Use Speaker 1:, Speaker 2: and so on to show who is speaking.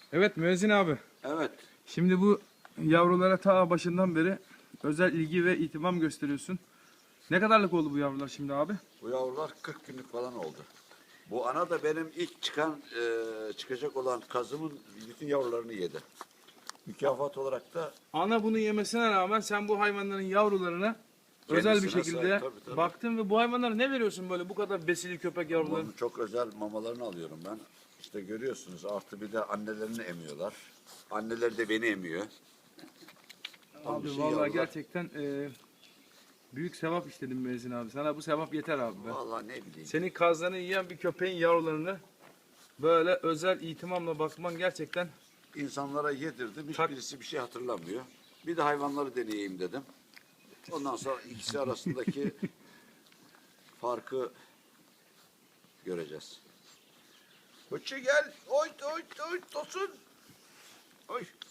Speaker 1: Evet Müezzin abi.
Speaker 2: Evet.
Speaker 1: Şimdi bu yavrulara ta başından beri özel ilgi ve ihtimam gösteriyorsun. Ne kadarlık oldu bu yavrular şimdi abi?
Speaker 2: Bu yavrular 40 günlük falan oldu. Bu ana da benim ilk çıkacak olan kazımın bütün yavrularını yedi. Mükafat olarak da
Speaker 1: Ana bunu yemesine rağmen sen bu hayvanların yavrularına özel bir
Speaker 2: Kendisine
Speaker 1: şekilde
Speaker 2: sahip, tabii.
Speaker 1: baktın ve bu hayvanlara ne veriyorsun böyle bu kadar besili köpek yavruları?
Speaker 2: bunun çok özel mamalarını alıyorum ben. İşte görüyorsunuz, artı bir de annelerini emiyorlar. Anneleri de beni emiyor. Tam bir
Speaker 1: Abi
Speaker 2: şey
Speaker 1: vallahi
Speaker 2: yavrular.
Speaker 1: gerçekten büyük sevap işledin Müezzin abi. Sana bu sevap yeter abi be.
Speaker 2: Vallahi ne bileyim.
Speaker 1: Senin kazlarını yiyen bir köpeğin yavrularını böyle özel ihtimamla bakman gerçekten
Speaker 2: İnsanlara yedirdim. Hiçbirisi bir şey hatırlamıyor. Bir de hayvanları deneyeyim dedim. Ondan sonra ikisi arasındaki farkı göreceğiz. Koçu gel. Oy oy oy Tosun. Oy.